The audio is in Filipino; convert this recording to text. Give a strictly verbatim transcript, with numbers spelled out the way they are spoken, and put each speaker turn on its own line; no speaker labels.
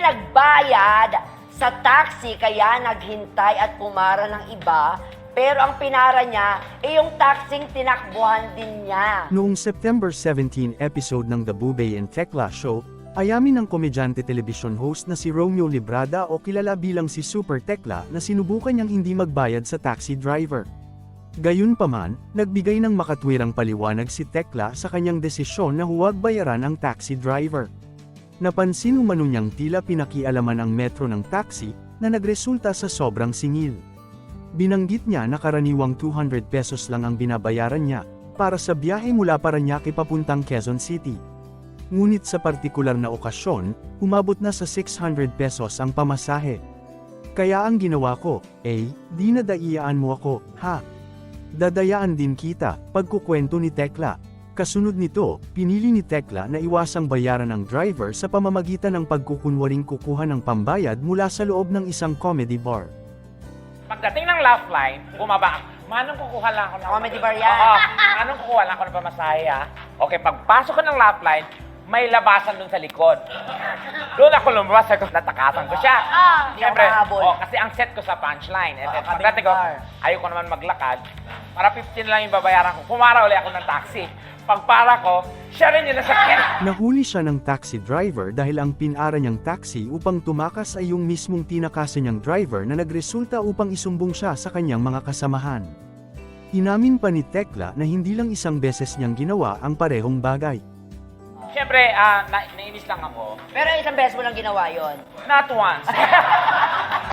nagbayad sa taxi kaya naghintay at pumara ng iba. Pero ang pinara niya, eh yung taxing tinakbuhan din niya.
Noong September seventeenth episode ng The Bubay and Tekla Show, ayamin ng komedyante television host na si Romeo Librada o kilala bilang si Super Tekla na sinubukan niyang hindi magbayad sa taxi driver. Gayunpaman, nagbigay ng makatwirang paliwanag si Tekla sa kanyang desisyon na huwag bayaran ang taxi driver. Napansin umano niyang tila pinakialaman ang metro ng taxi na nagresulta sa sobrang singil. Binanggit niya na karaniwang two hundred pesos lang ang binabayaran niya para sa biyahe mula Parañaque papuntang Quezon City. Ngunit sa partikular na okasyon, umabot na sa six hundred pesos ang pamasahe. Kaya ang ginawa ko, eh, di na daiyaan mo ako, ha? Dadayaan din kita, pagkukwento ni Tekla. Kasunod nito, pinili ni Tekla na iwasang bayaran ang driver sa pamamagitan ng pagkukunwaring kukuha ng pambayad mula sa loob ng isang comedy bar.
Pagdating ng laugh line, bumaba. Manong kukuha lang ako ng...
Comedy bar yan.
Oo, manong kukuha lang ako ng pamasahe, ha? Okay, pagpasok ko ng laugh line, may labasan dun sa likod. Doon ako lumabas, ako natakasan ko siya.
Ah, hindi
Siyempre,
ako makahabol.
oh, kasi ang set ko sa punchline. And then,
Ah,
pagdating ko,
bar.
ayoko naman maglakad. Para fifteen lang yung babayaran ko. Pumara uli ako ng taxi. Pagpara ko, siya rin yung nasakyan.
Nahuli siya ng taxi driver dahil ang pinara niyang taxi upang tumakas ay yung mismong tinakasan niyang driver na nagresulta upang isumbong siya sa kanyang mga kasamahan. Inamin pa ni Tekla na hindi lang isang beses niyang ginawa ang parehong bagay.
Siyempre, ah, na nainis lang ako.
Pero isang beses mo lang ginawa yon.
Not once.